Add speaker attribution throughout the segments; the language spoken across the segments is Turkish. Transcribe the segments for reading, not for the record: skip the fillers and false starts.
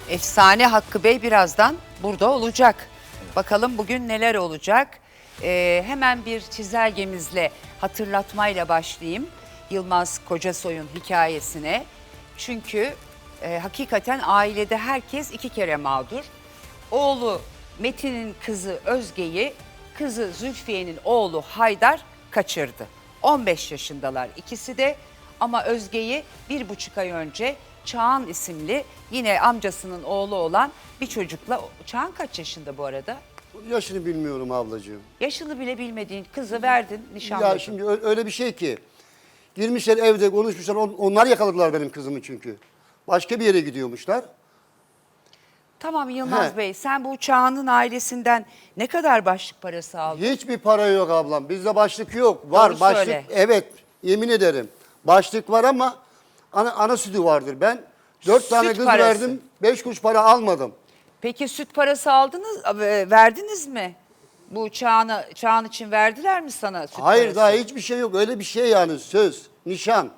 Speaker 1: Efsane Hakkı Bey birazdan burada olacak. Bakalım bugün neler olacak? Hemen bir çizelgemizle, hatırlatmayla başlayayım Yılmaz Kocasoy'un hikayesine. Çünkü hakikaten ailede herkes iki kere mağdur. Oğlu Metin'in kızı Özge'yi, kızı Zülfiye'nin oğlu Haydar kaçırdı. 15 yaşındalar ikisi de ama Özge'yi 1,5 ay önce Çağan isimli yine amcasının oğlu olan bir çocukla, Çağan kaç yaşında bu arada?
Speaker 2: Yaşını bilmiyorum ablacığım.
Speaker 1: Yaşını bile bilmediğin kızı verdin, nişanladın.
Speaker 2: Ya şimdi öyle bir şey ki. Girmişler evde konuşmuşlar. Onlar yakaladılar benim kızımı çünkü. Başka bir yere gidiyormuşlar.
Speaker 1: Tamam Yılmaz
Speaker 2: He.
Speaker 1: Bey, sen bu Çağan'ın ailesinden ne kadar başlık parası aldın?
Speaker 2: Hiçbir para yok ablam. Bizde başlık yok. Var
Speaker 1: Doğru
Speaker 2: başlık.
Speaker 1: söyle.
Speaker 2: Evet, yemin ederim. Başlık var ama ana sütü vardır. Ben 4 tane
Speaker 1: Süt
Speaker 2: kız
Speaker 1: parası.
Speaker 2: verdim. 5 kuruş para almadım.
Speaker 1: Peki süt parası aldınız, verdiniz mi? Bu Çağan için verdiler mi sana süt
Speaker 2: Hayır,
Speaker 1: parası?
Speaker 2: daha hiçbir şey yok. Öyle bir şey yani, söz, nişan.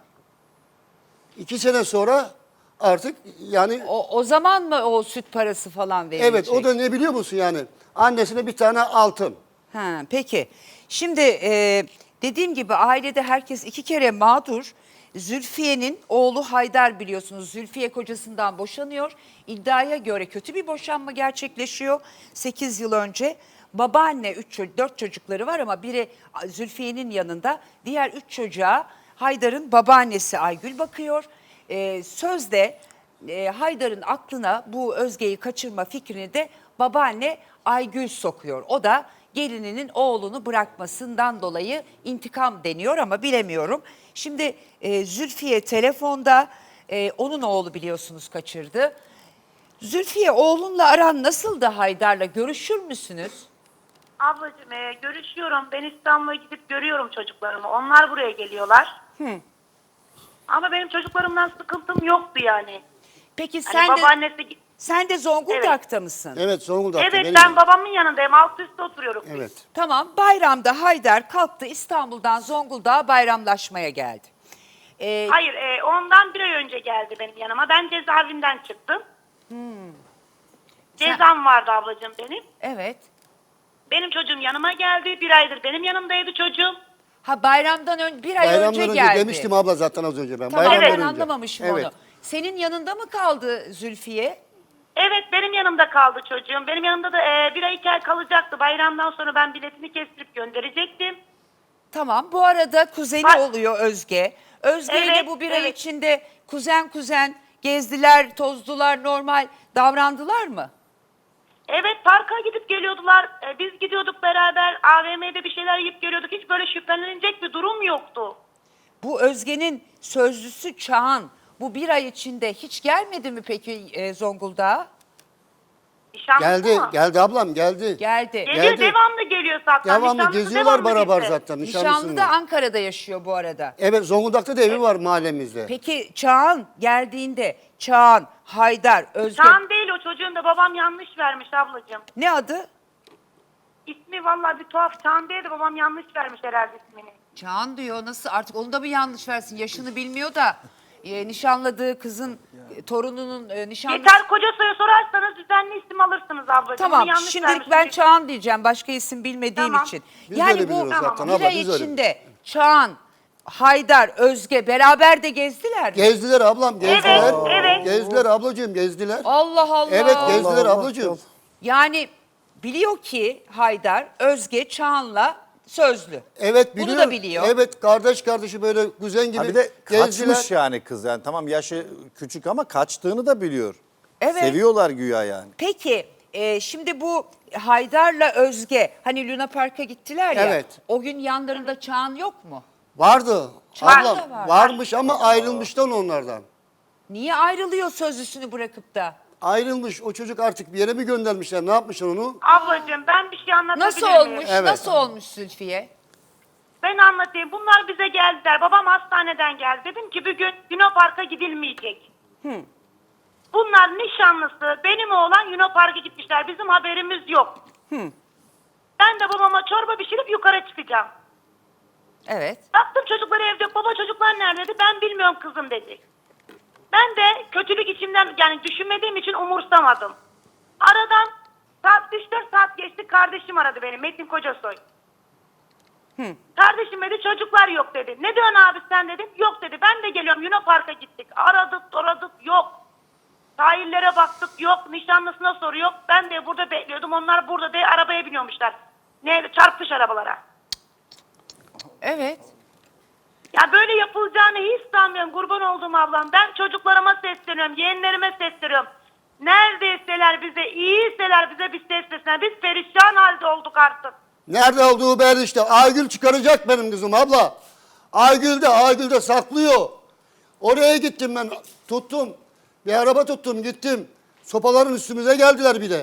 Speaker 2: 2 sene sonra artık yani
Speaker 1: O zaman mı o süt parası falan verilecek?
Speaker 2: evet, o da ne biliyor musun yani? Annesine bir tane altın.
Speaker 1: Ha, peki. Şimdi dediğim gibi ailede herkes iki kere mağdur. Zülfiye'nin oğlu Haydar biliyorsunuz. Zülfiye kocasından boşanıyor. İddiaya göre kötü bir boşanma gerçekleşiyor 8 yıl önce. Babaanne 4 çocukları var ama biri Zülfiye'nin yanında. Diğer 3 çocuğa Haydar'ın babaannesi Aygül bakıyor. Sözde Haydar'ın aklına bu Özge'yi kaçırma fikrini de babaanne Aygül sokuyor. O da gelininin oğlunu bırakmasından dolayı intikam deniyor ama bilemiyorum. Şimdi Zülfiye telefonda, onun oğlu biliyorsunuz kaçırdı. Zülfiye, oğlunla aran nasıldı Haydar'la? Görüşür müsünüz?
Speaker 3: Ablacığım görüşüyorum. Ben İstanbul'a gidip görüyorum çocuklarımı. Onlar buraya geliyorlar. Ama benim çocuklarımdan sıkıntım yoktu yani.
Speaker 1: Peki
Speaker 3: Hani babaannesi...
Speaker 1: sen de Zonguldak'ta mısın?
Speaker 2: Evet, Zonguldak'ta.
Speaker 3: Evet,
Speaker 2: benim.
Speaker 3: ben babamın yanındayım. Alt üstte oturuyoruz biz.
Speaker 2: Evet.
Speaker 1: Tamam, bayramda Haydar kalktı İstanbul'dan Zonguldak'a bayramlaşmaya geldi.
Speaker 3: Hayır, ondan bir ay önce geldi benim yanıma. Ben cezaevinden çıktım. Cezam vardı ablacığım benim.
Speaker 1: Evet.
Speaker 3: Benim çocuğum yanıma geldi. Bir aydır benim yanımdaydı çocuğum.
Speaker 1: Ha, bayramdan önce bir ay
Speaker 2: Bayramdan
Speaker 1: önce
Speaker 2: önce
Speaker 1: geldi.
Speaker 2: demiştim abla zaten az önce ben.
Speaker 1: Tamam,
Speaker 2: Bayramdan
Speaker 1: ben
Speaker 2: önce.
Speaker 1: anlamamışım
Speaker 2: Evet.
Speaker 1: onu. Senin yanında mı kaldı Zülfiye?
Speaker 3: Evet, benim yanımda kaldı çocuğum. Benim yanımda da bir ay 2 ay kalacaktı. Bayramdan sonra ben biletini kestirip gönderecektim.
Speaker 1: Tamam, bu arada kuzeni
Speaker 3: Bak-
Speaker 1: oluyor Özge. Özge ile
Speaker 3: Evet,
Speaker 1: bu bir ay
Speaker 3: evet.
Speaker 1: içinde kuzen gezdiler, tozdular, normal davrandılar mı?
Speaker 3: Evet, parka gidip geliyordular. Biz gidiyorduk beraber. AVM'de bir şeyler yiyip geliyorduk. Hiç böyle şüphelenilecek bir durum yoktu.
Speaker 1: Bu Özge'nin sözlüsü Çağan bu bir ay içinde hiç gelmedi mi peki Zonguldak'a?
Speaker 3: Nişanlısı mı?
Speaker 2: Geldi ablam, geldi.
Speaker 1: Geldi.
Speaker 3: Geliyor,
Speaker 2: Geldi.
Speaker 3: devamlı geliyor zaten.
Speaker 2: Devamlı
Speaker 3: Nişanlısı
Speaker 2: geziyorlar
Speaker 3: devamlı
Speaker 2: beraber
Speaker 3: bizde.
Speaker 2: zaten
Speaker 1: Nişanlı da
Speaker 2: nişanlısınlar.
Speaker 1: Ankara'da yaşıyor bu arada.
Speaker 2: Evet, Zonguldak'ta da evi var mahallemizde.
Speaker 1: Peki Çağan geldiğinde Çağan, Haydar, Özge
Speaker 3: Çağan değil o çocuğun da babam yanlış vermiş ablacığım.
Speaker 1: ne adı?
Speaker 3: İsmi vallahi bir tuhaf. Çağan değil de babam yanlış vermiş herhalde ismini.
Speaker 1: Çağan diyor, nasıl artık onu da mı yanlış versin? Yaşını bilmiyor da nişanladığı kızın torununun nişanlısı.
Speaker 3: Yeter Kocasoy'a sorarsanız düzenli isim alırsınız ablacığım.
Speaker 1: Tamam,
Speaker 3: Onu yanlış
Speaker 1: şimdilik
Speaker 3: vermiş.
Speaker 1: ben Çağan diyeceğim başka isim bilmediğim
Speaker 3: Tamam.
Speaker 1: için.
Speaker 2: Biz
Speaker 1: Yani
Speaker 2: öyle
Speaker 1: bu
Speaker 2: biliyoruz zaten
Speaker 1: bir
Speaker 2: abla,
Speaker 1: ay
Speaker 2: biz öyle
Speaker 1: içinde Çağan, Haydar, Özge beraber de gezdiler mi?
Speaker 2: Gezdiler ablam, gezdiler.
Speaker 3: Evet, evet.
Speaker 2: Gezdiler ablacığım, gezdiler.
Speaker 1: Allah Allah.
Speaker 2: Evet, gezdiler ablacığım.
Speaker 1: Yani biliyor ki Haydar, Özge Çağan'la sözlü.
Speaker 2: Evet,
Speaker 1: Bunu
Speaker 2: biliyor.
Speaker 1: da biliyor.
Speaker 2: Evet, kardeşi böyle kuzen gibi
Speaker 4: Ha bir de
Speaker 2: gezdiler.
Speaker 4: kaçmış yani kız, yani tamam yaşı küçük ama kaçtığını da biliyor.
Speaker 1: Evet.
Speaker 4: Seviyorlar güya yani.
Speaker 1: Peki şimdi bu Haydar'la Özge hani Luna Park'a gittiler ya.
Speaker 2: Evet.
Speaker 1: O gün yanlarında Çağan yok mu?
Speaker 2: Vardı.
Speaker 1: Çağan
Speaker 2: Ablam
Speaker 1: da var.
Speaker 2: varmış ama ayrılmıştan onlardan.
Speaker 1: Niye ayrılıyor sözlüsünü bırakıp da?
Speaker 2: Ayrılmış, o çocuk artık bir yere mi göndermişler, ne yapmışlar onu?
Speaker 3: Ablacığım ben bir şey anlatabilir
Speaker 1: Nasıl
Speaker 3: miyim?
Speaker 1: olmuş?
Speaker 2: Evet.
Speaker 1: Nasıl olmuş Zülfiye?
Speaker 3: Ben anlatayım. Bunlar bize geldiler. Babam hastaneden geldi. Dedim ki bugün Luna Park'a gidilmeyecek. Bunlar nişanlısı. Benim oğlan Luna Park'a gitmişler. Bizim haberimiz yok. Ben de babama çorba pişirip yukarı çıkacağım.
Speaker 1: Evet.
Speaker 3: Baktım çocuklar evde yok. Baba çocuklar nerede dedi. Ben bilmiyorum kızım dedi. Ben de kötülük içimden yani düşünmediğim için umursamadım. Aradan saat 3-4 saat geçti, kardeşim aradı beni, Metin Kocasoy. Kardeşim dedi çocuklar yok dedi. Ne diyorsun abi sen dedim. Yok dedi, ben de geliyorum, Luna Park'a gittik. Aradık yok. Sahillere baktık yok. Nişanlısına soru yok. Ben de burada bekliyordum. Onlar burada de arabaya biniyormuşlar. Çarpmış arabalara.
Speaker 1: Evet.
Speaker 3: Ya böyle yapılacağını hiç sanmıyorum kurban olduğum ablam. Ben çocuklarıma sesleniyorum, yeğenlerime sesleniyorum. Neredeyseler bize, iyiyseler bize bir seslesinler. Biz perişan halde olduk artık.
Speaker 2: Nerede olduğu belli işte. Aygül çıkaracak benim kızım abla. Aygül'de saklıyor. Oraya gittim ben, tuttum. Bir araba tuttum, gittim. Sopaların üstümüze geldiler bir de.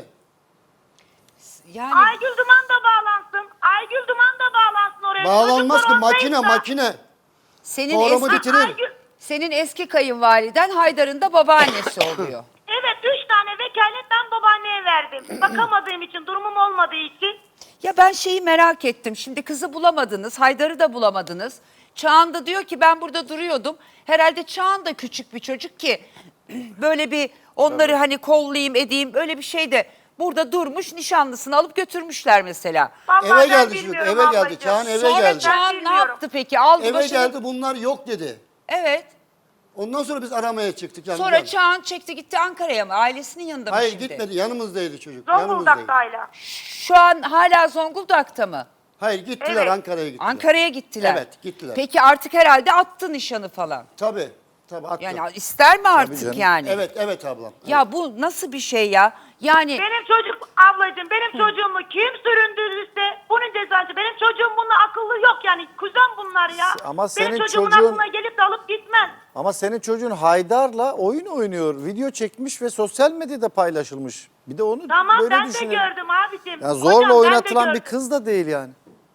Speaker 1: Yani
Speaker 3: Aygül Duman da bağlansın. Aygül Duman da bağlansın oraya.
Speaker 2: Bağlanmaz ki,
Speaker 3: Çocuklar
Speaker 2: makine
Speaker 3: oradaysa-
Speaker 2: makine.
Speaker 1: senin
Speaker 2: Programı
Speaker 1: eski,
Speaker 2: bitirir.
Speaker 3: Aygül,
Speaker 1: senin eski kayınvaliden Haydar'ın da babaannesi oluyor.
Speaker 3: evet 3 tane vekalet ben babaanneye verdim. Bakamadığım için, durumum olmadığı için.
Speaker 1: Ya ben şeyi merak ettim. Şimdi kızı bulamadınız, Haydar'ı da bulamadınız. Çağan da diyor ki ben burada duruyordum. Herhalde Çağan da küçük bir çocuk ki böyle bir onları hani kollayayım edeyim öyle bir şey de burada durmuş, nişanlısını alıp götürmüşler mesela.
Speaker 3: Vallahi
Speaker 2: Eve
Speaker 3: ben
Speaker 2: geldi
Speaker 3: bilmiyorum
Speaker 2: çocuk, eve geldi.
Speaker 3: ablacığım.
Speaker 2: Çağan eve
Speaker 1: Sonra
Speaker 2: geldi.
Speaker 1: Çağan ne
Speaker 3: bilmiyorum.
Speaker 1: yaptı peki? Aldı
Speaker 2: Eve
Speaker 1: başını.
Speaker 2: geldi, bunlar yok dedi.
Speaker 1: Evet.
Speaker 2: Ondan sonra biz aramaya çıktık. Yani
Speaker 1: Sonra Çağan çekti gitti Ankara'ya mı? Ailesinin yanında mı
Speaker 2: Hayır
Speaker 1: şimdi?
Speaker 2: gitmedi, yanımızdaydı çocuk.
Speaker 3: Zonguldak'ta
Speaker 2: Yanımızdaydı.
Speaker 3: hala.
Speaker 1: Şu an hala Zonguldak'ta mı?
Speaker 2: Hayır gittiler,
Speaker 3: Evet.
Speaker 2: Ankara'ya gittiler.
Speaker 1: Ankara'ya gittiler.
Speaker 2: Evet, gittiler.
Speaker 1: Peki artık herhalde attı nişanı falan.
Speaker 2: Tabii attı.
Speaker 1: Yani ister mi artık
Speaker 4: canım.
Speaker 1: yani?
Speaker 2: Evet ablam.
Speaker 1: Ya bu nasıl bir şey ya? Yani
Speaker 3: Benim çocuk ablacığım, benim çocuğumu kim süründürürse bunun cezası. Benim çocuğum bununla akıllı yok yani. Kuzen bunlar ya.
Speaker 4: Ama senin
Speaker 3: benim çocuğumun
Speaker 4: çocuğun-
Speaker 3: aklına gelip de alıp gitmez.
Speaker 4: Ama senin çocuğun Haydar'la oyun oynuyor. Video çekmiş ve sosyal medyada paylaşılmış. Bir de onu
Speaker 3: Tamam
Speaker 4: böyle
Speaker 3: ben de
Speaker 4: düşünelim.
Speaker 3: gördüm abicim.
Speaker 4: Ya zorla
Speaker 3: Hocam, ben de
Speaker 4: oynatılan bir
Speaker 3: gördüm.
Speaker 4: kız da değil yani.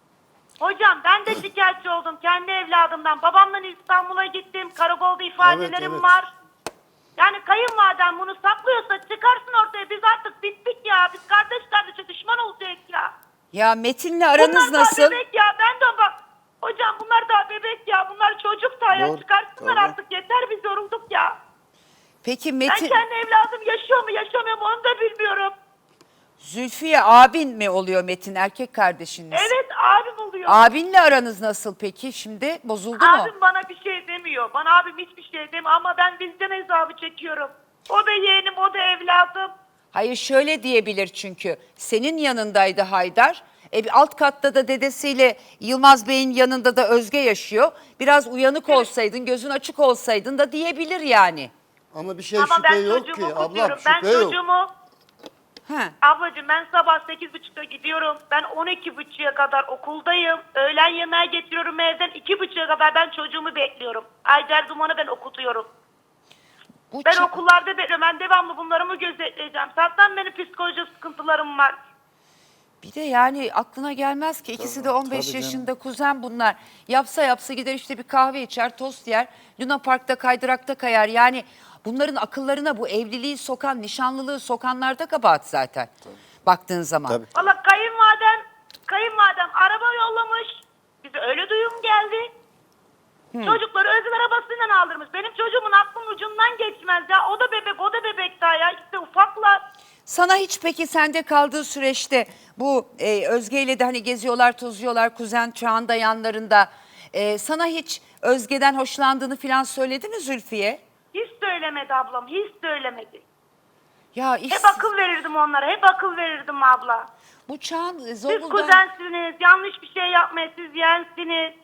Speaker 3: Hocam ben de şikayetçi oldum kendi evladımdan. Babamla İstanbul'a gittim. Karakolda ifadelerim
Speaker 2: Evet.
Speaker 3: var. Yani kayınvaliden bunu saklıyorsa çıkarsın ortaya. Biz artık bittik ya. Biz kardeş kardeşe düşman olacağız ya.
Speaker 1: ya Metin'le aranız
Speaker 3: bunlar
Speaker 1: nasıl?
Speaker 3: daha bebek ya. Ben de bak. Hocam bunlar daha bebek ya. Bunlar çocuk da ya.
Speaker 4: Doğru,
Speaker 3: Çıkarsınlar
Speaker 4: tabii.
Speaker 3: artık. Yeter biz yorulduk ya.
Speaker 1: Peki
Speaker 3: Ben
Speaker 1: Metin,
Speaker 3: kendi evladım yaşıyor mu yaşamıyor mu onu da bilmiyorum.
Speaker 1: Zülfiye abin mi oluyor Metin, erkek kardeşiniz?
Speaker 3: Evet abim oluyor.
Speaker 1: Abinle aranız nasıl peki şimdi? Bozuldu mu?
Speaker 3: Abim bana bir şey demiyor. Bana abim hiçbir şey demiyor ama ben vicdan hesabı çekiyorum. O da yeğenim, o da evladım.
Speaker 1: Hayır şöyle diyebilir çünkü. Senin yanındaydı Haydar. Bir alt katta da dedesiyle Yılmaz Bey'in yanında da Özge yaşıyor. Biraz uyanık olsaydın, gözün açık olsaydın da diyebilir yani.
Speaker 2: Ama bir şey
Speaker 3: Ama
Speaker 2: şüphe
Speaker 3: ben
Speaker 2: yok ki
Speaker 3: çocuğumu
Speaker 2: ablam,
Speaker 3: okutuyorum. Ben
Speaker 2: şüphe yok.
Speaker 3: çocuğumu,
Speaker 1: He.
Speaker 3: ablacığım ben sabah 8.30'da gidiyorum. Ben 12.30'a kadar okuldayım. Öğlen yemeği getiriyorum evden. 2.30'a kadar ben çocuğumu bekliyorum. Aycer Duman'ı ben okutuyorum.
Speaker 1: Bu
Speaker 3: Ben
Speaker 1: çı-
Speaker 3: okullarda bekliyorum. Ben devamlı bunları mı gözetleyeceğim? Zaten benim psikolojik sıkıntılarım var.
Speaker 1: Bir de yani aklına gelmez ki ikisi de 15
Speaker 4: tabii
Speaker 1: yaşında kuzen bunlar. Yapsa gider işte bir kahve içer, tost yer. Luna Park'ta kaydırakta kayar. Yani bunların akıllarına bu evliliği sokan, nişanlılığı sokanlarda kabahat zaten. Baktığın zaman.
Speaker 4: Tabii.
Speaker 3: Valla kayınvalidem araba yollamış. Bize öyle duyum geldi. Çocukları özel arabasıyla aldırmış. Benim çocuğumun aklının ucundan geçmez ya. O da bebek daha ya. İşte ufaklar.
Speaker 1: Sana hiç peki sende kaldığı süreçte bu Özge ile de hani geziyorlar, tozuyorlar, kuzen Çağan da yanlarında. Sana hiç Özge'den hoşlandığını falan söyledi mi Zülfiye?
Speaker 3: Hiç söylemedi ablam. Hiç söylemedi.
Speaker 1: Ya
Speaker 3: Hep akıl verirdim onlara. Hep akıl verirdim abla.
Speaker 1: bu Çağan
Speaker 3: Siz
Speaker 1: Zonguldak...
Speaker 3: kuzensiniz. Yanlış bir şey yapmayın. Siz yeğensiniz.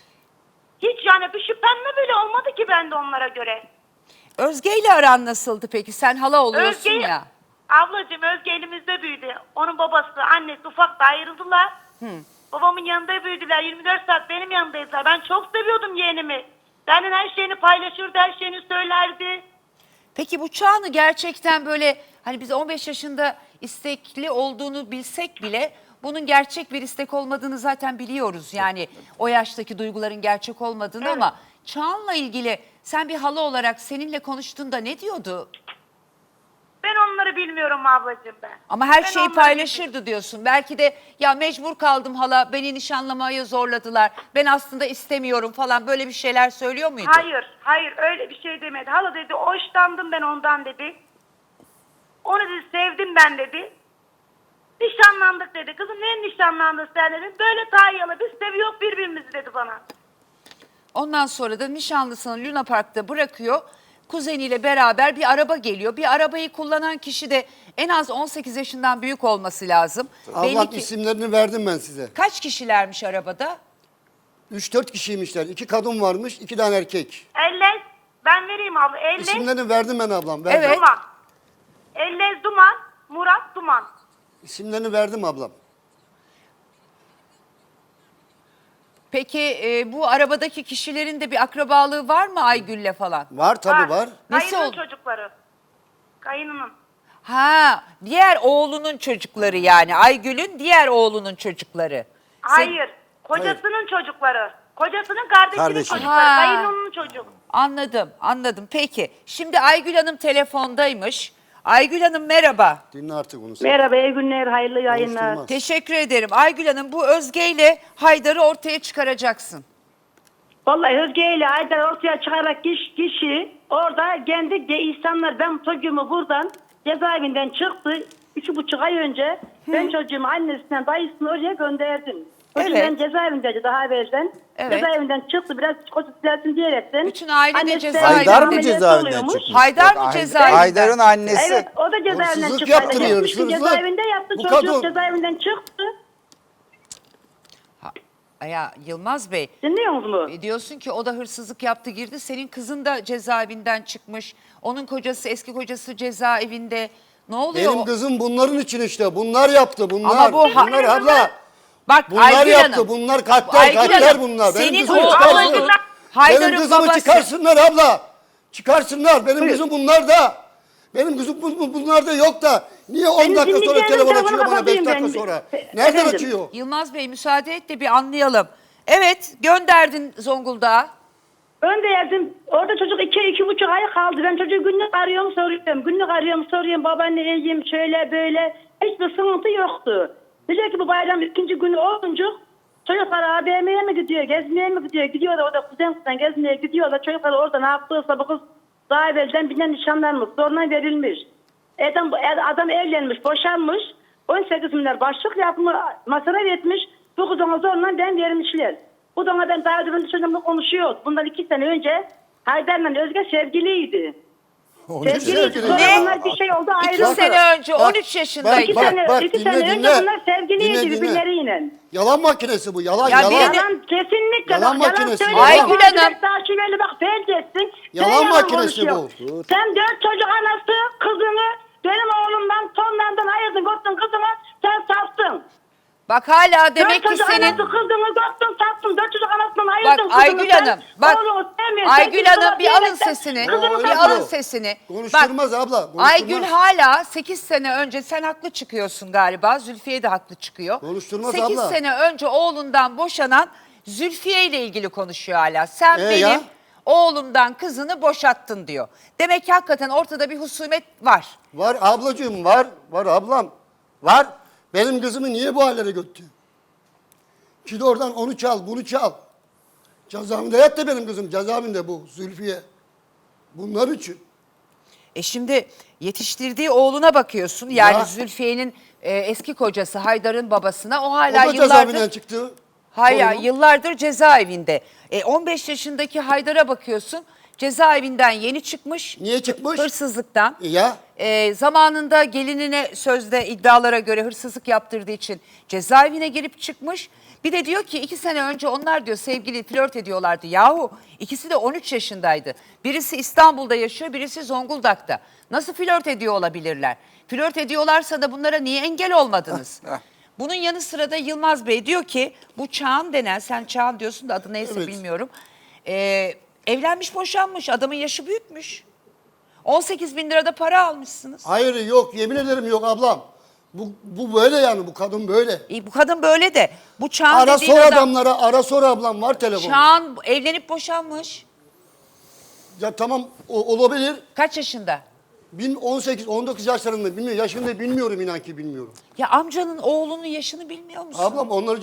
Speaker 3: Hiç yani bir şüphem bile olmadı ki bende onlara göre.
Speaker 1: Özge ile aran nasıldı peki? Sen hala oluyorsun
Speaker 3: Özge,
Speaker 1: ya.
Speaker 3: ablacığım Özge elimizde büyüdü. Onun babası, annesi ufak da ayrıldılar. Babamın yanında büyüdüler. 24 saat benim yanındaydılar. Ben çok seviyordum yeğenimi. Benden her şeyini paylaşırdı, her şeyini söylerdi.
Speaker 1: Peki bu Çağan'ı gerçekten böyle hani biz 15 yaşında istekli olduğunu bilsek bile bunun gerçek bir istek olmadığını zaten biliyoruz. Yani o yaştaki duyguların gerçek olmadığını
Speaker 3: Evet.
Speaker 1: ama Çağan'la ilgili sen bir hala olarak seninle konuştuğunda ne diyordu?
Speaker 3: Ben onları bilmiyorum ablacığım ben.
Speaker 1: Ama her
Speaker 3: Ben
Speaker 1: şeyi
Speaker 3: onları
Speaker 1: paylaşırdı diyorsun. Belki de ya mecbur kaldım hala, beni nişanlamaya zorladılar. Ben aslında istemiyorum falan, böyle bir şeyler söylüyor muydu?
Speaker 3: Hayır öyle bir şey demedi. Hala dedi hoşlandım ben ondan dedi. Onu dedi sevdim ben dedi. Nişanlandık dedi. Kızım ne nişanlandın sen dedim. Böyle Tayyalı biz seviyoruz birbirimizi dedi bana.
Speaker 1: Ondan sonra da nişanlısını Luna Park'ta bırakıyor. Kuzeniyle beraber bir araba geliyor. Bir arabayı kullanan kişi de en az 18 yaşından büyük olması lazım.
Speaker 2: Ablam
Speaker 1: Belli ki
Speaker 2: isimlerini verdim ben size.
Speaker 1: kaç kişilermiş arabada?
Speaker 2: 3-4 kişiymişler. 2 kadın varmış, 2 tane erkek.
Speaker 3: Ellez ben vereyim abla. Ellez
Speaker 2: İsimlerini verdim ben ablam. Verdim.
Speaker 1: Evet.
Speaker 3: Duman. Ellez Duman. Murat Duman.
Speaker 2: İsimlerini verdim ablam.
Speaker 1: Peki bu arabadaki kişilerin de bir akrabalığı var mı Aygül'le falan?
Speaker 2: Var tabii var.
Speaker 1: Nesi
Speaker 3: Kayının
Speaker 1: oldu?
Speaker 3: çocukları. Kayınının.
Speaker 1: Ha, diğer oğlunun çocukları yani. Aygül'ün diğer oğlunun çocukları.
Speaker 3: Hayır. Kocasının çocukları. Kocasının kardeşinin
Speaker 4: Kardeşi.
Speaker 3: çocukları.
Speaker 1: Ha.
Speaker 3: Kayınının çocuğu.
Speaker 1: Anladım. Peki, şimdi Aygül Hanım telefondaymış. Aygül Hanım merhaba.
Speaker 2: Dinle artık onu sen.
Speaker 5: Merhaba, iyi günler, hayırlı yayınlar.
Speaker 2: Konuşturmaz.
Speaker 1: Teşekkür ederim. Aygül Hanım, bu Özge ile Haydar'ı ortaya çıkaracaksın.
Speaker 5: Vallahi Özge ile Aydar ortaya çıkarak kişi orada kendi insanlar, ben çocuğumu buradan cezaevinden çıktı. 3,5 ay önce ben çocuğumu annesinden dayısını oraya gönderdim. Çocuğum
Speaker 1: Evet.
Speaker 5: ben cezaevindeydi daha evvelden.
Speaker 1: Evet.
Speaker 5: Cezaevinden çıktı, biraz psikolojik düzelsin diyerekten.
Speaker 1: Bütün aile de
Speaker 5: Annesi
Speaker 1: cezaevinde.
Speaker 4: Haydar mı
Speaker 5: ameliyat
Speaker 4: cezaevinden
Speaker 5: oluyormuş.
Speaker 4: çıkmış?
Speaker 1: Haydar mı
Speaker 4: Yok,
Speaker 1: cezaevinden?
Speaker 4: Haydar'ın annesi.
Speaker 5: Evet, o da cezaevinden
Speaker 2: Hırsızlık
Speaker 5: çıktı.
Speaker 2: yaptırıyor,
Speaker 5: 70 gün
Speaker 2: hırsızlık.
Speaker 5: cezaevinde yattı,
Speaker 2: Bu
Speaker 5: çocuk
Speaker 2: kadın-
Speaker 5: cezaevinden çıktı.
Speaker 1: Ya Yılmaz Bey,
Speaker 5: Dinliyor musunuz?
Speaker 1: diyorsun ki o da hırsızlık yaptı girdi. Senin kızın da cezaevinden çıkmış. Onun kocası, eski kocası cezaevinde. Ne oluyor?
Speaker 2: Benim kızım bunların için işte. Bunlar yaptı. Bunlar.
Speaker 1: Ama bu ha-
Speaker 2: bunlar abla.
Speaker 1: Bak
Speaker 2: Bunlar
Speaker 1: Aygül
Speaker 2: yaptı.
Speaker 1: Hanım.
Speaker 2: Bunlar katler.
Speaker 1: Aygül
Speaker 2: Katler
Speaker 1: Hanım,
Speaker 2: bunlar. Benim
Speaker 1: senin
Speaker 2: kızımı
Speaker 1: oğlun
Speaker 2: çıkarsın.
Speaker 1: Haydar'ın
Speaker 2: Benim kızımı
Speaker 1: babası.
Speaker 2: çıkarsınlar abla. Çıkarsınlar. Benim kızım bunlar da. Benim kızım bunlar da yok da. Niye 10
Speaker 5: Benim
Speaker 2: dakika sonra
Speaker 5: dinleyeceğim
Speaker 2: telefon
Speaker 5: telefonu
Speaker 2: açıyor bana 5
Speaker 5: kapatayım
Speaker 2: dakika
Speaker 5: ben.
Speaker 2: sonra? Nereden
Speaker 5: Efendim?
Speaker 2: açıyor?
Speaker 1: Yılmaz Bey müsaade et de bir anlayalım. Evet, gönderdin Zonguldak'a.
Speaker 5: Ön de yazdım. Orada çocuk 2,5 ay kaldı. Ben çocuğu günlük arıyorum soruyorum. Günlük arıyorum soruyorum. Babaanne iyiyim şöyle böyle. Hiçbir sıkıntı yoktu. Diyor ki bu bayram 2. günü olunca çocuklar AVM'ye mi gidiyor, gezmeye mi gidiyor? Gidiyorlar orada kuzen gezmeye gidiyorlar. Çocuklar orada ne yaptıysa bu kız daha evvelden birine nişanlanmış. Zorla verilmiş. Adam evlenmiş, boşanmış. 18 milyar başlık yapmış, masraf etmiş. Bu kız ona zorla ben vermişler. Bu da ona ben daha önce çocuğumla konuşuyoruz. Bundan 2 sene önce Haydar'la Özge sevgiliydi. Sevgiliydi. Sonra
Speaker 1: Ne?
Speaker 5: bunlar bir şey oldu ayrı.
Speaker 1: 2 sene önce
Speaker 2: bak,
Speaker 1: 13 yaşındaydı.
Speaker 5: İki sene,
Speaker 2: bak,
Speaker 5: iki
Speaker 2: dinle,
Speaker 5: sene
Speaker 2: dinle.
Speaker 5: önce bunlar sevgiliydi
Speaker 2: Dinle, dinle.
Speaker 5: birbirleriyle.
Speaker 2: Yalan makinesi bu. Yalan
Speaker 1: Ya
Speaker 2: yalan.
Speaker 1: bir de-
Speaker 5: Yalan kesinlikle.
Speaker 2: Yalan
Speaker 5: bak,
Speaker 2: makinesi.
Speaker 5: söylüyor.
Speaker 1: Aygül
Speaker 5: Bak,
Speaker 1: Hanım.
Speaker 5: Takipeli bak felç etsin.
Speaker 2: Yalan
Speaker 5: Sen
Speaker 2: makinesi
Speaker 5: konuşuyor.
Speaker 2: bu. Dur.
Speaker 5: Sen 4 çocuk anası kızını benim oğlumdan tonlardan ayırdın kottun kızıma sen sattın.
Speaker 1: Bak hala demek
Speaker 5: 4
Speaker 1: ki
Speaker 5: çocuk
Speaker 1: senin...
Speaker 5: anası kızını kottun sattın. 4 çocuk anasından ayırdın
Speaker 1: Bak Aygül Hanım, bak Aygül Hanım bir alın sesini.
Speaker 2: kızını
Speaker 1: Bir alın sesini.
Speaker 2: Konuşturmaz abla. Konuşturmaz.
Speaker 1: Aygül hala 8 sene önce, sen haklı çıkıyorsun galiba. Zülfiye de haklı çıkıyor.
Speaker 2: Konuşturmaz
Speaker 1: 8
Speaker 2: abla.
Speaker 1: sene önce oğlundan boşanan Zülfiye ile ilgili konuşuyor hala. Sen benim
Speaker 2: ya?
Speaker 1: oğlumdan kızını boşattın diyor. Demek ki hakikaten ortada bir husumet var.
Speaker 2: Var ablacığım var. Var ablam. Var. Benim kızımı niye bu hallere götürdü? Git oradan onu çal, bunu çal. Cezaevinde yattı benim kızım. Cezaevinde bu Zülfiye. Bunlar için.
Speaker 1: Şimdi yetiştirdiği oğluna bakıyorsun. Yani
Speaker 2: Ya.
Speaker 1: Zülfiye'nin eski kocası Haydar'ın babasına. O
Speaker 2: O
Speaker 1: hala
Speaker 2: da
Speaker 1: yıllardır...
Speaker 2: cezaevinden çıktı.
Speaker 1: Hayır,
Speaker 2: Torunum.
Speaker 1: yıllardır cezaevinde. 15 yaşındaki Haydar'a bakıyorsun. Cezaevinden yeni çıkmış.
Speaker 2: Niye çıkmış?
Speaker 1: Hırsızlıktan.
Speaker 2: Ya.
Speaker 1: Zamanında gelinine sözde iddialara göre hırsızlık yaptırdığı için cezaevine girip çıkmış. Bir de diyor ki 2 sene önce onlar diyor sevgili flört ediyorlardı. Yahu ikisi de 13 yaşındaydı. Birisi İstanbul'da yaşıyor, birisi Zonguldak'ta. Nasıl flört ediyor olabilirler? Flört ediyorlarsa da bunlara niye engel olmadınız? Bunun yanı sıra da Yılmaz Bey diyor ki bu Çağan denen, sen Çağan diyorsun da adı neyse
Speaker 2: Evet.
Speaker 1: bilmiyorum. Evlenmiş boşanmış, adamın yaşı büyükmüş. 18 bin lirada para almışsınız.
Speaker 2: Hayır yok yemin ederim yok ablam. Bu böyle yani bu kadın böyle.
Speaker 1: Bu kadın böyle de. Bu Çağan
Speaker 2: Ara
Speaker 1: dediğin
Speaker 2: sor
Speaker 1: adam.
Speaker 2: adamlara ara sor ablam var telefon.
Speaker 1: Çağan evlenip boşanmış.
Speaker 2: Ya tamam olabilir.
Speaker 1: Kaç yaşında?
Speaker 2: 18-19 yaşlarında bilmiyorum. Yaşını bilmiyorum, inan ki bilmiyorum.
Speaker 1: Ya amcanın oğlunun yaşını bilmiyor musun?
Speaker 2: Ablam onları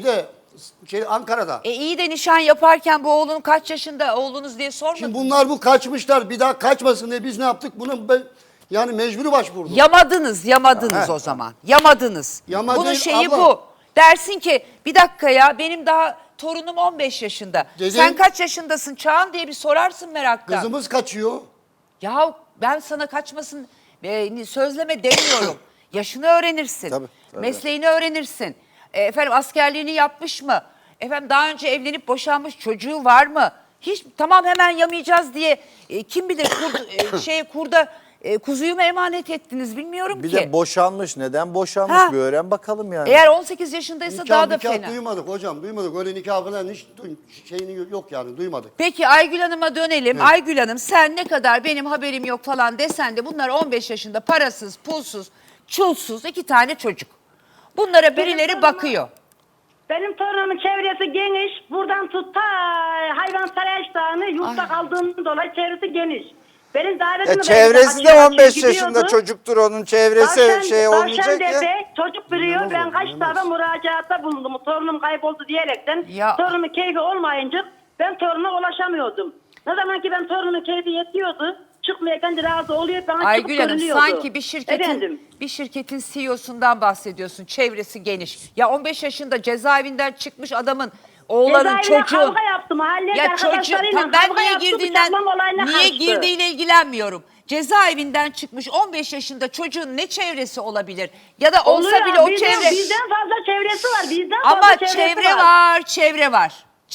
Speaker 2: Ankara'da.
Speaker 1: İyi de nişan yaparken bu oğlun kaç yaşında oğlunuz diye sormadın.
Speaker 2: Şimdi bunlar bu kaçmışlar. Bir daha kaçmasın diye biz ne yaptık? Yani mecburi başvurduk.
Speaker 1: Yamadınız o zaman. Yamadınız.
Speaker 2: Yama
Speaker 1: Bunun
Speaker 2: değil,
Speaker 1: şeyi
Speaker 2: abla.
Speaker 1: bu. Dersin ki bir dakika ya benim daha torunum 15 yaşında.
Speaker 2: Dedim-
Speaker 1: Sen kaç yaşındasın Çağan diye bir sorarsın merakla.
Speaker 2: Kızımız kaçıyor.
Speaker 1: Ya ben sana kaçmasın sözleme demiyorum. Yaşını öğrenirsin.
Speaker 4: Tabii.
Speaker 1: Mesleğini öğrenirsin. Efendim askerliğini yapmış mı? Efendim daha önce evlenip boşanmış çocuğu var mı? Hiç tamam hemen yamayacağız diye kim bilir kurda kuzuyu mu emanet ettiniz bilmiyorum
Speaker 4: Bir
Speaker 1: ki.
Speaker 4: de boşanmış. Neden boşanmış
Speaker 1: Ha.
Speaker 4: bir öğren bakalım yani.
Speaker 1: Eğer 18 yaşındaysa daha da
Speaker 2: Nikah
Speaker 1: fena.
Speaker 2: duymadık hocam. Duymadık. Öyle nikah falan hiç şeyini yok yani. Duymadık.
Speaker 1: Peki Aygül Hanım'a dönelim. Aygül Hanım sen ne kadar benim haberim yok falan desen de bunlar 15 yaşında parasız, pulsuz, çulsuz 2 tane çocuk. Bunlara birileri bakıyor.
Speaker 5: Benim torunumun çevresi geniş. Buradan tut ta hayvansaray açtığını yurtta kaldığından dolayı çevresi geniş. Benim davetimi
Speaker 6: Çevresi de 15 yaşında çocuktur, onun çevresi olmayacak ya.
Speaker 5: Çocuk biliyor. Ben kaç defa müracaatta bulundum. Torunum kayboldu diyerekten.
Speaker 1: Ya.
Speaker 5: Torunumun keyfi olmayınca ben torunuma ulaşamıyordum. Ne zaman ki ben torunumun keyfi yetiyordu. Çıkmaya kendi razı oluyor. Bana
Speaker 1: Aygül
Speaker 5: çıkıp
Speaker 1: Hanım
Speaker 5: görünüyordu.
Speaker 1: sanki
Speaker 5: Efendim?
Speaker 1: bir şirketin CEO'sundan bahsediyorsun. Çevresi geniş. Ya 15 yaşında cezaevinden çıkmış adamın oğlanın
Speaker 5: Cezaevine
Speaker 1: çocuğun.
Speaker 5: kavga yaptı. Mahallede
Speaker 1: Ya çocuğu
Speaker 5: arkadaşlarıyla
Speaker 1: ben
Speaker 5: kavga
Speaker 1: niye
Speaker 5: yaptı,
Speaker 1: girdiğinden
Speaker 5: bıçaklama olayına
Speaker 1: niye
Speaker 5: karıştı.
Speaker 1: girdiğiyle ilgilenmiyorum. Cezaevinden çıkmış 15 yaşında çocuğun ne çevresi olabilir? Ya da olsa
Speaker 5: Oluyor,
Speaker 1: bile o
Speaker 5: bizden,
Speaker 1: çevre.
Speaker 5: Bizden fazla çevresi var. Bizden
Speaker 1: Ama
Speaker 5: fazla çevresi
Speaker 1: çevre var, çevre var.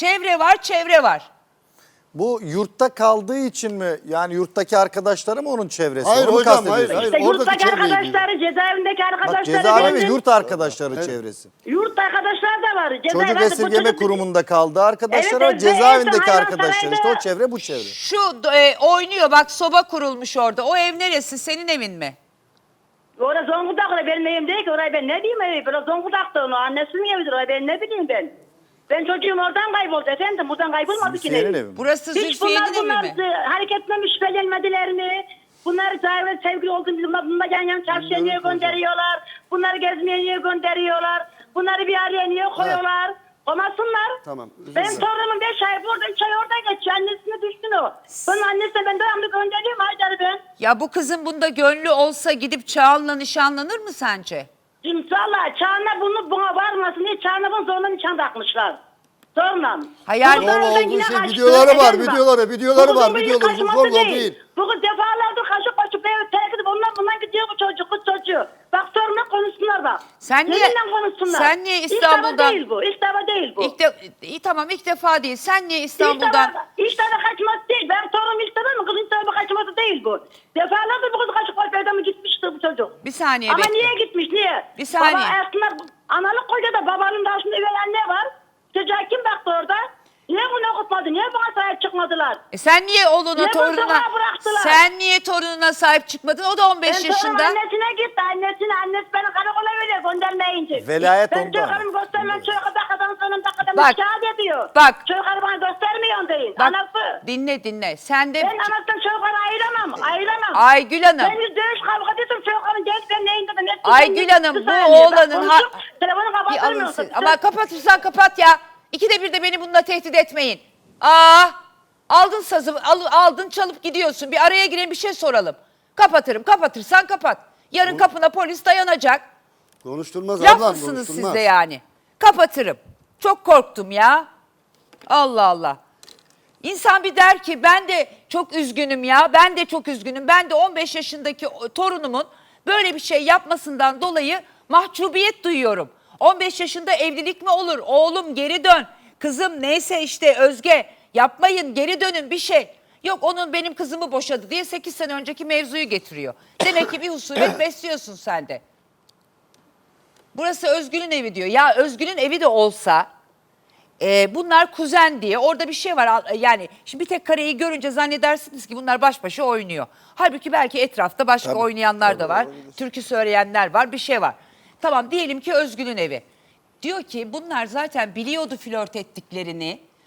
Speaker 1: Çevre var.
Speaker 4: Bu yurtta kaldığı için mi? Yani yurttaki arkadaşları mı onun çevresi?
Speaker 2: Hayır
Speaker 4: Onu mu
Speaker 2: hocam,
Speaker 4: kastediyorsun?
Speaker 2: hayır.
Speaker 5: İşte
Speaker 2: Oradaki
Speaker 5: yurttaki
Speaker 2: çevreyi
Speaker 5: arkadaşları, cezaevindeki
Speaker 4: Bak
Speaker 5: arkadaşları.
Speaker 4: cezaevi ve
Speaker 5: benim-
Speaker 4: yurt arkadaşları çevresi.
Speaker 5: Yurt arkadaşlar da var.
Speaker 4: Çocuk
Speaker 5: Cezaevinde bu
Speaker 4: esirgeme
Speaker 5: çocuk-
Speaker 4: kurumunda kaldığı arkadaşlar
Speaker 5: Evet,
Speaker 4: var. Cezaevindeki
Speaker 5: hayvan
Speaker 4: arkadaşlar. İşte o
Speaker 5: sarayında-
Speaker 4: çevre bu çevre.
Speaker 1: Şu oynuyor bak soba kurulmuş orada. O ev neresi? Senin evin mi?
Speaker 5: Orada Zonguldak'ta benim evim değil ki. Orayı ben ne diyeyim evi? Böyle Zonguldak'ta onu. Annesinin evidir. Orayı ben ne bileyim ben. Ben çocuğum oradan kayboldu efendim. Buradan kaybolmadı ki.
Speaker 4: Senin
Speaker 5: evim.
Speaker 4: evin mi?
Speaker 1: Burası
Speaker 5: Hiç
Speaker 1: Zülfiye'nin
Speaker 5: bunlar
Speaker 1: evi mi?
Speaker 5: hareketine şüphelenmediler mi? Bunlar zahire sevgili olduğunu bunlar yan yan çarşıya niye gönderiyorlar? Bunları gezmeye niye gönderiyorlar? Bunları bir araya niye koyuyorlar? Olmasınlar.
Speaker 2: Tamam, özür
Speaker 5: Benim
Speaker 2: dilerim.
Speaker 5: torunumun 5 ay burada 3 ay orada geçiyor. Annesine düştün o. Bunun annesine ben devamlı gönderiyorum Haydar'ı ben.
Speaker 1: Ya bu kızın bunda gönlü olsa gidip Çağan'la nişanlanır mı sence?
Speaker 5: Şimdi valla Çağan'a buna varmasın diye Çağan'a bunu zorla nişan takmışlar. Zorla.
Speaker 1: Hayal-
Speaker 5: Bu kız
Speaker 2: Zorla
Speaker 5: oradan
Speaker 2: olduğu
Speaker 5: yine
Speaker 2: şey,
Speaker 5: kaçtı.
Speaker 2: videoları var,
Speaker 5: Efendim bak,
Speaker 2: videoları
Speaker 5: bu
Speaker 2: var,
Speaker 5: kızın bir
Speaker 2: videoları,
Speaker 5: kaçması
Speaker 2: zorla değil.
Speaker 5: Bu kız defalardır kaçıp kaçıp evi terk edip bundan gidiyor bu çocuk, kız çocuğu. Bak soruna konuşsunlar bak.
Speaker 1: Sen niye-
Speaker 5: Yeminle konuşsunlar.
Speaker 1: sen niye
Speaker 5: İlk
Speaker 1: İstanbul'dan-
Speaker 5: defa değil bu, ilk defa değil bu.
Speaker 1: İyi tamam ilk defa değil. Sen niye
Speaker 5: İlk
Speaker 1: İstanbul'dan...
Speaker 5: defa kaçması değil. Ben torunum ilk defa mı? Kızın ilk defa kaçması değil bu. Defalardır bu kız kaçıp kaçıp evden mi gitmişti bu çocuk.
Speaker 1: Bir saniye
Speaker 5: Ama
Speaker 1: bekle.
Speaker 5: niye gitmiş, niye?
Speaker 1: Bir saniye.
Speaker 5: Baba aslında analık koca da babanın da aslında üvey anne var. Çocuğa kim baktı orada? Niye bunu okutmadı? Niye bana sahip çıkmadılar?
Speaker 1: Sen niye oğluna
Speaker 5: Niye bu
Speaker 1: torununa...
Speaker 5: sokağa bıraktılar?
Speaker 1: Sen niye torununa sahip çıkmadın? O da 15
Speaker 5: Ben torunum
Speaker 1: yaşında.
Speaker 5: annesine gitti. Annesi beni karakola veriyor göndermeyince.
Speaker 4: Velayet
Speaker 5: ben
Speaker 4: onda.
Speaker 5: çocuklarımı göstermem. Çocuk dakadan sonra dakadan
Speaker 1: Bak,
Speaker 5: şikayet ediyor.
Speaker 1: bak.
Speaker 5: Çocukları bana göstermiyor deyin.
Speaker 1: Bak
Speaker 5: Anası.
Speaker 1: dinle. Sen de...
Speaker 5: Ben anasından çocukları ayıramam.
Speaker 1: Aygül Hanım.
Speaker 5: Ben yüz dövüş kavga ediyorsam çocukların genç ben neyinde de ne
Speaker 1: Aygül Hanım, bu oğlanın
Speaker 5: telefonu
Speaker 1: Bir
Speaker 5: kapatırmıyorsun.
Speaker 1: alın siz. Ama kapatırsan kapat ya. İkide bir de beni bununla tehdit etmeyin. Aldın sazı, aldın çalıp gidiyorsun. Bir araya girelim bir şey soralım. Kapatırsan kapat. Yarın kapına polis dayanacak.
Speaker 2: Konuşturmaz
Speaker 1: Laf
Speaker 2: ablam,
Speaker 1: mısınız siz
Speaker 2: konuşturmaz.
Speaker 1: de yani? Kapatırım. Çok korktum ya. Allah Allah. İnsan bir der ki ben de çok üzgünüm ya. Ben de çok üzgünüm. Ben de 15 yaşındaki torunumun böyle bir şey yapmasından dolayı mahcubiyet duyuyorum. 15 yaşında evlilik mi olur? Oğlum geri dön. Kızım neyse işte Özge yapmayın geri dönün bir şey. Yok onun benim kızımı boşadı diye 8 sene önceki mevzuyu getiriyor. Demek ki bir husumet besliyorsun sen de. Burası Özgül'ün evi diyor. Ya Özgül'ün evi de olsa bunlar kuzen diye orada bir şey var. Yani şimdi bir tek kareyi görünce zannedersiniz ki bunlar baş başa oynuyor. Halbuki belki etrafta başka oynayanlar da var. Türkü söyleyenler var bir şey var. Tamam diyelim ki Özgül'ün evi. Diyor ki bunlar zaten biliyordu flört ettiklerini.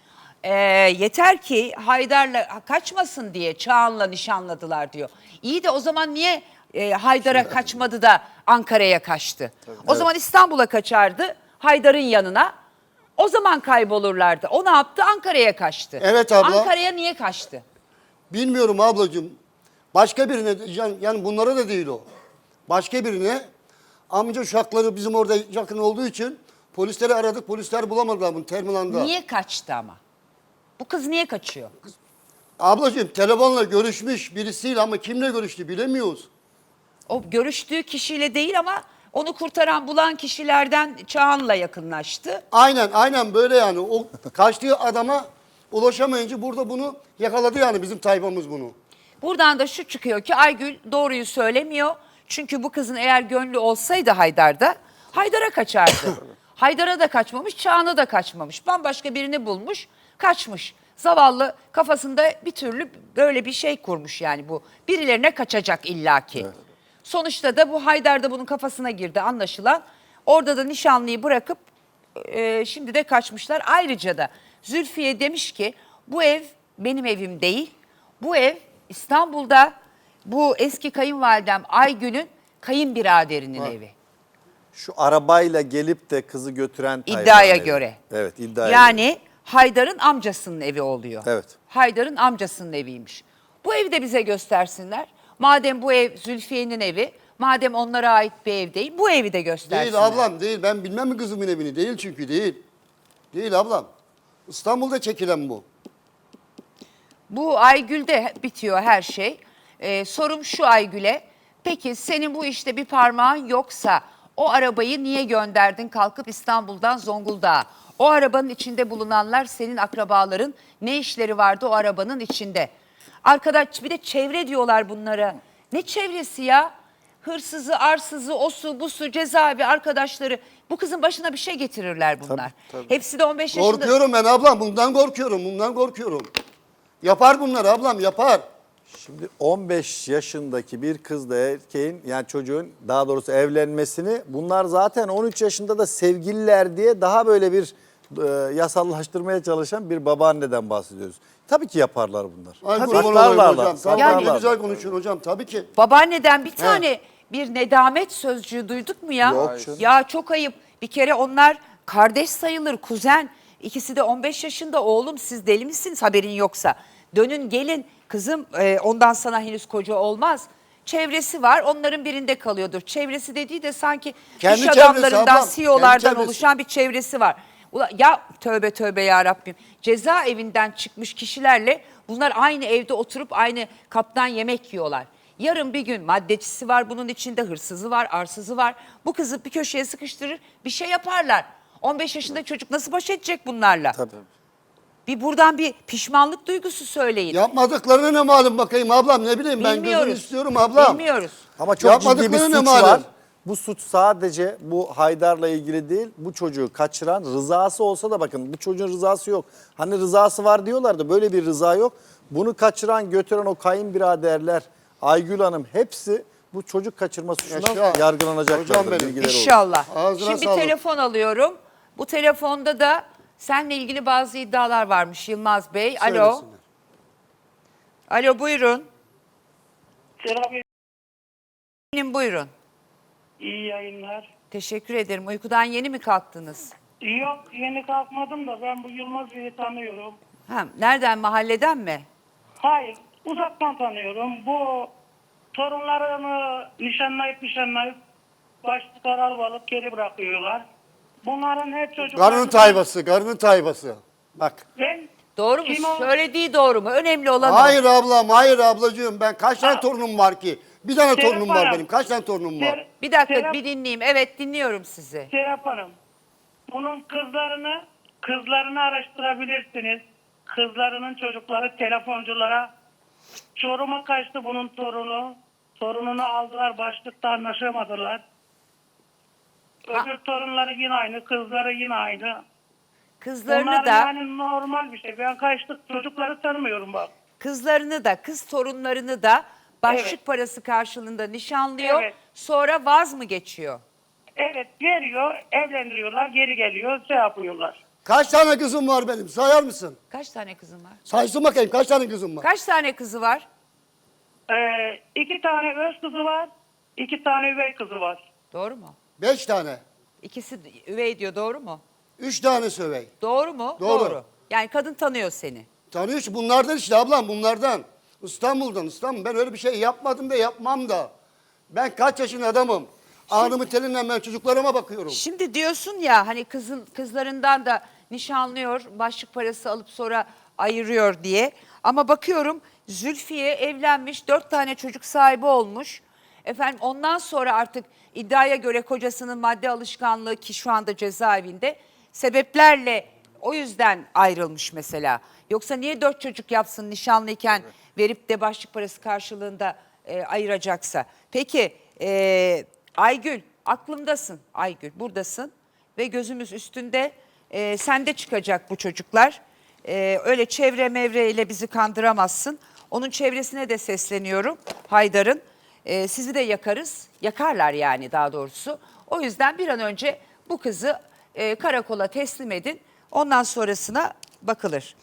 Speaker 1: Yeter ki Haydar'la kaçmasın diye Çağan'la nişanladılar diyor. İyi de o zaman niye Haydar'a kaçmadı da Ankara'ya kaçtı? O zaman İstanbul'a kaçardı Haydar'ın yanına. O zaman kaybolurlardı. O ne yaptı? Ankara'ya kaçtı.
Speaker 2: Evet abla.
Speaker 1: Ankara'ya niye kaçtı?
Speaker 2: Bilmiyorum ablacığım. Başka birine, yani bunlara da değil o. Başka birine, amca uşakları bizim orada yakın olduğu için polisleri aradık. Polisler bulamadılar bunu terminalda.
Speaker 1: Niye kaçtı ama? Bu kız niye kaçıyor?
Speaker 2: Ablacığım telefonla görüşmüş birisiyle ama kimle görüştü bilemiyoruz.
Speaker 1: O görüştüğü kişiyle değil ama onu kurtaran bulan kişilerden Çağan'la yakınlaştı.
Speaker 2: Aynen böyle yani. O kaçtığı adama ulaşamayınca burada bunu yakaladı yani bizim tayfamız bunu.
Speaker 1: Buradan da şu çıkıyor ki Aygül doğruyu söylemiyor. Çünkü bu kızın eğer gönlü olsaydı Haydar'da Haydar'a kaçardı. Haydar'a da kaçmamış, Çağan'a da kaçmamış. Bambaşka birini bulmuş, kaçmış. Zavallı kafasında bir türlü böyle bir şey kurmuş yani bu. Birilerine kaçacak illaki. Evet. Sonuçta da bu Haydar da bunun kafasına girdi anlaşılan. Orada da nişanlıyı bırakıp şimdi de kaçmışlar. Ayrıca da Zülfiye demiş ki bu ev benim evim değil. Bu ev İstanbul'da bu eski kayınvalidem Aygül'ün kayınbiraderinin evi.
Speaker 4: Şu arabayla gelip de kızı götüren
Speaker 1: İddiaya
Speaker 4: tayfanın evi.
Speaker 1: göre.
Speaker 4: Evet, iddiaya
Speaker 1: Yani
Speaker 4: göre.
Speaker 1: Haydar'ın amcasının evi oluyor.
Speaker 4: Evet.
Speaker 1: Haydar'ın amcasının eviymiş. Bu evi de bize göstersinler. Madem bu ev Zülfiye'nin evi, madem onlara ait bir ev değil, bu evi de göstersinler.
Speaker 2: Değil ablam değil. Ben bilmem mi kızımın evini? Değil çünkü değil. Değil ablam. İstanbul'da çekilen bu.
Speaker 1: Bu Aygül'de bitiyor her şey. Sorum şu Aygül'e. Peki senin bu işte bir parmağın yoksa o arabayı niye gönderdin kalkıp İstanbul'dan Zonguldak'a? O arabanın içinde bulunanlar senin akrabaların, ne işleri vardı o arabanın içinde? Arkadaş bir de çevre diyorlar bunlara. Ne çevresi ya? Hırsızı, arsızı, osu, busu, cezaevi arkadaşları. Bu kızın başına bir şey getirirler bunlar.
Speaker 4: Tabii.
Speaker 1: Hepsi de 15 yaşında.
Speaker 2: Korkuyorum ben ablam. Bundan korkuyorum. Yapar bunlar ablam yapar.
Speaker 4: Şimdi 15 yaşındaki bir kızla erkeğin yani çocuğun daha doğrusu evlenmesini bunlar zaten 13 yaşında da sevgililer diye daha böyle bir yasallaştırmaya çalışan bir babaanneden bahsediyoruz. Tabii ki yaparlar bunlar.
Speaker 2: Ay
Speaker 1: Tabii.
Speaker 2: kurban olayım hocam.
Speaker 4: Saklarlar.
Speaker 2: Ne güzel konuşuyorsun hocam tabii ki.
Speaker 1: Babaanneden bir tane bir nedamet sözcüğü duyduk mu ya?
Speaker 4: Yok canım.
Speaker 1: Ya çok ayıp. Bir kere onlar kardeş sayılır, kuzen. İkisi de 15 yaşında. Oğlum siz deli misiniz haberin yoksa? Dönün gelin kızım ondan sana henüz koca olmaz. Çevresi var onların birinde kalıyordur. Çevresi dediği de sanki
Speaker 2: Kendi
Speaker 1: iş
Speaker 2: çevresi
Speaker 1: adamlarından,
Speaker 2: ablam,
Speaker 1: CEO'lardan
Speaker 2: kendi çevresi.
Speaker 1: oluşan bir çevresi var. Ya tövbe ya Rabbim. Cezaevinden çıkmış kişilerle bunlar aynı evde oturup aynı kaptan yemek yiyorlar. Yarın bir gün maddecisi var bunun içinde, hırsızı var, arsızı var. Bu kızı bir köşeye sıkıştırır, bir şey yaparlar. 15 yaşında çocuk nasıl baş edecek bunlarla?
Speaker 4: Tabii.
Speaker 1: Bir buradan bir pişmanlık duygusu söyleyin.
Speaker 2: Yapmadıklarına ne malum bakayım ablam ne bileyim ben
Speaker 1: Bilmiyoruz.
Speaker 2: gözünü istiyorum ablam.
Speaker 1: Bilmiyoruz.
Speaker 4: Ama çok ciddi bir
Speaker 2: Yapmadıkları ne
Speaker 4: suç
Speaker 2: malum?
Speaker 4: var. Bu suç sadece bu Haydar'la ilgili değil. Bu çocuğu kaçıran rızası olsa da bakın bu çocuğun rızası yok. Hani rızası var diyorlardı böyle bir rıza yok. Bunu kaçıran götüren o kayınbiraderler Aygül Hanım hepsi bu çocuk kaçırma suçundan
Speaker 2: Yaşa.
Speaker 4: yargılanacaklardır.
Speaker 2: Hocam benim.
Speaker 4: Bilgileri olsun.
Speaker 1: İnşallah.
Speaker 2: Ağzına
Speaker 1: Şimdi
Speaker 2: sağlık.
Speaker 1: telefon alıyorum. Bu telefonda da seninle ilgili bazı iddialar varmış Yılmaz Bey. Alo.
Speaker 2: Söylesinler.
Speaker 1: Alo buyurun.
Speaker 7: Selam,
Speaker 1: Buyurun.
Speaker 7: iyi yayınlar.
Speaker 1: Teşekkür ederim. Uykudan yeni mi kalktınız?
Speaker 7: Yok, yeni kalkmadım da ben bu Yılmaz Bey'i tanıyorum.
Speaker 1: Ha, nereden, mahalleden mi?
Speaker 7: Hayır, uzaktan tanıyorum. Bu torunlarını nişanlayıp başlıklar alıp geri bırakıyorlar. Bunların hep çocukları...
Speaker 2: Garının tayfası. Bak.
Speaker 7: Ben
Speaker 1: Doğru mu?
Speaker 7: Kim o?
Speaker 1: Söylediği doğru mu? Önemli olan o.
Speaker 2: Hayır ablam, hayır ablacığım. Ben kaç tane torunum var ki? Bir tane
Speaker 7: Serap
Speaker 2: torunum var
Speaker 7: Hanım.
Speaker 2: benim. Kaç tane torunum var?
Speaker 1: Bir dakika
Speaker 7: Serap-
Speaker 1: bir dinleyeyim. Evet dinliyorum sizi.
Speaker 7: Şey yaparım. Bunun kızlarını araştırabilirsiniz. Kızlarının çocukları telefonculara Çorum'a kaçtı bunun torunu. Torununu aldılar, başlıkta anlaşamadılar. Öbür torunları yine aynı, kızları yine aynı.
Speaker 1: Kızlarını
Speaker 7: Bunlar
Speaker 1: da
Speaker 7: yani normal bir şey. Ben kaçtık çocukları tanımıyorum bak.
Speaker 1: kız torunlarını da başlık
Speaker 7: Evet.
Speaker 1: parası karşılığında nişanlıyor.
Speaker 7: Evet.
Speaker 1: Sonra vaz mı geçiyor?
Speaker 7: Evet veriyor, evlendiriyorlar, geri geliyor, şey yapıyorlar.
Speaker 2: Kaç tane kızım var benim? Sayar mısın?
Speaker 1: Kaç tane kızın var?
Speaker 2: Saysın bakayım kaç tane kızım var?
Speaker 1: Kaç tane kızı var?
Speaker 7: 2 tane öz kızı var. 2 tane üvey kızı var.
Speaker 1: Doğru mu?
Speaker 2: 5 tane.
Speaker 1: İkisi üvey diyor, doğru mu?
Speaker 2: 3 tane sövey.
Speaker 1: Doğru mu?
Speaker 2: Doğru.
Speaker 1: Yani kadın tanıyor seni.
Speaker 2: Tanıyor ki bunlardan işte ablam bunlardan. İstanbul'dan İstanbul. Ben öyle bir şey yapmadım da yapmam da. Ben kaç yaşında adamım. Ağrımın telinden ben çocuklarıma bakıyorum.
Speaker 1: Şimdi diyorsun ya hani kızlarından da nişanlıyor, başlık parası alıp sonra ayırıyor diye. Ama bakıyorum Zülfiye evlenmiş, 4 tane çocuk sahibi olmuş. Efendim ondan sonra artık iddiaya göre kocasının madde alışkanlığı, ki şu anda cezaevinde, sebeplerle o yüzden ayrılmış mesela. Yoksa niye 4 çocuk yapsın nişanlıyken verip de başlık parası karşılığında ayıracaksa? Peki Aygül, aklımdasın Aygül, buradasın ve gözümüz üstünde. Sende çıkacak bu çocuklar. Öyle çevre mevreyle bizi kandıramazsın. Onun çevresine de sesleniyorum Haydar'ın. Sizi de yakarız, yakarlar yani daha doğrusu. O yüzden bir an önce bu kızı karakola teslim edin. Ondan sonrasına bakılır.